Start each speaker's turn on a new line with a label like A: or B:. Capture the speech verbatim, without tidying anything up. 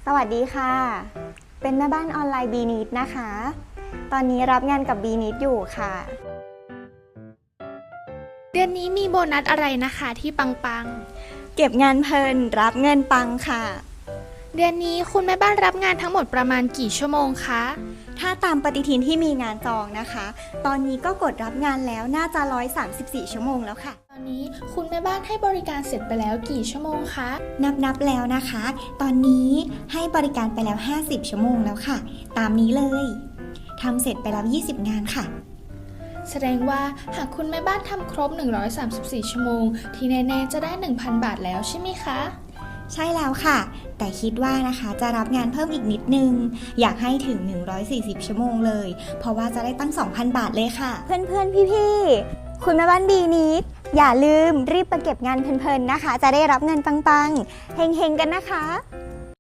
A: สวัสดีค่ะ เป็นแม่บ้านออนไลน์บีนิดนะคะ ตอนนี้รับงานกับบีนิดอยู่ค่ะ
B: เดือนนี้มีโบนัสอะไรนะคะที่ปัง
A: เก็บงานเพลินรับเงินปังค่ะ
B: ๆ เดือนนี้คุณแม่บ้านรับงานทั้งหมดประมาณกี่ชั่วโมงคะ
A: ถ้าตามปฏิทินที่มีงานจองนะคะ ตอนนี้ก็กดรับงานแล้วน่าจะหนึ่งร้อยสามสิบสี่ชั่วโมงแล้วค่ะ
B: ตอนนี้คุณแม่บ้านให้บริการเสร็จไปแล้วกี่ชั่วโมงคะ
A: นับนับแล้วนะคะ ตอนนี้ให้บริการไปแล้วห้าสิบชั่วโมงแล้วค่ะ ตามนี้เลยทำเสร็จไปแล้วยี่สิบงานค่ะ
B: แสดงว่าหากคุณแม่บ้านทำครบหนึ่งร้อยสามสิบสี่ชั่วโมงที่แน่ๆจะได้ หนึ่งพัน บาทแล้วใช่ไหมคะ
A: ใช่แล้วค่ะ แต่คิดว่านะคะจะรับงานเพิ่มอีกนิดนึง อยากให้ถึงหนึ่งร้อยสี่สิบชั่วโมงเลย เพราะว่าจะได้ตั้ง สองพัน บาทเลยค่ะ เพื่อนๆพี่ๆคุณแม่บ้านบีนิดอย่าลืมรีบไปเก็บงานเพลินๆนะคะ จะได้รับเงินปังๆเฮงๆกันนะคะ